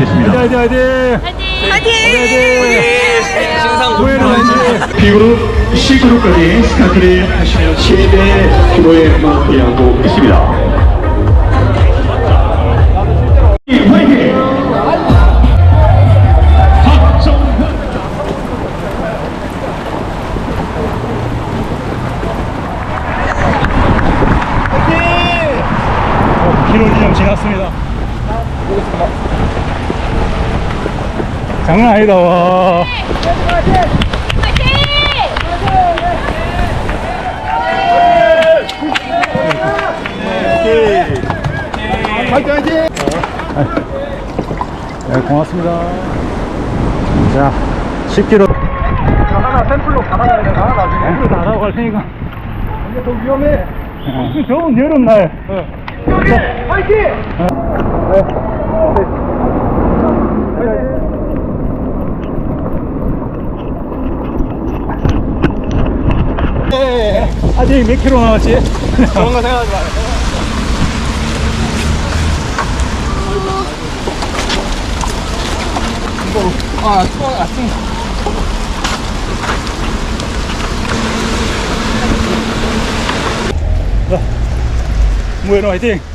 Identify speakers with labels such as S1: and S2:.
S1: 하겠습니다.
S2: 화이팅!
S3: 화이팅!
S1: B그룹, C그룹까지 스타트를 하시면 최대 규모의 마무리하고 있습니다. 화이팅! 박정현!
S2: 기록 지점 지났습니다. 장난 아니다, 와. 네, 고맙습니다. 자, 10km.
S4: 하나 샘플로 가다가 그냥 하나 나중에.
S2: 샘플 다 하고 갈 테니까.
S4: 이게 더 위험해.
S2: 좋은 여름날.
S4: 화이팅!
S2: 아직 몇 킬로 남았지?
S4: 그런 거 생각하지 마요.
S2: 무에로 화이팅!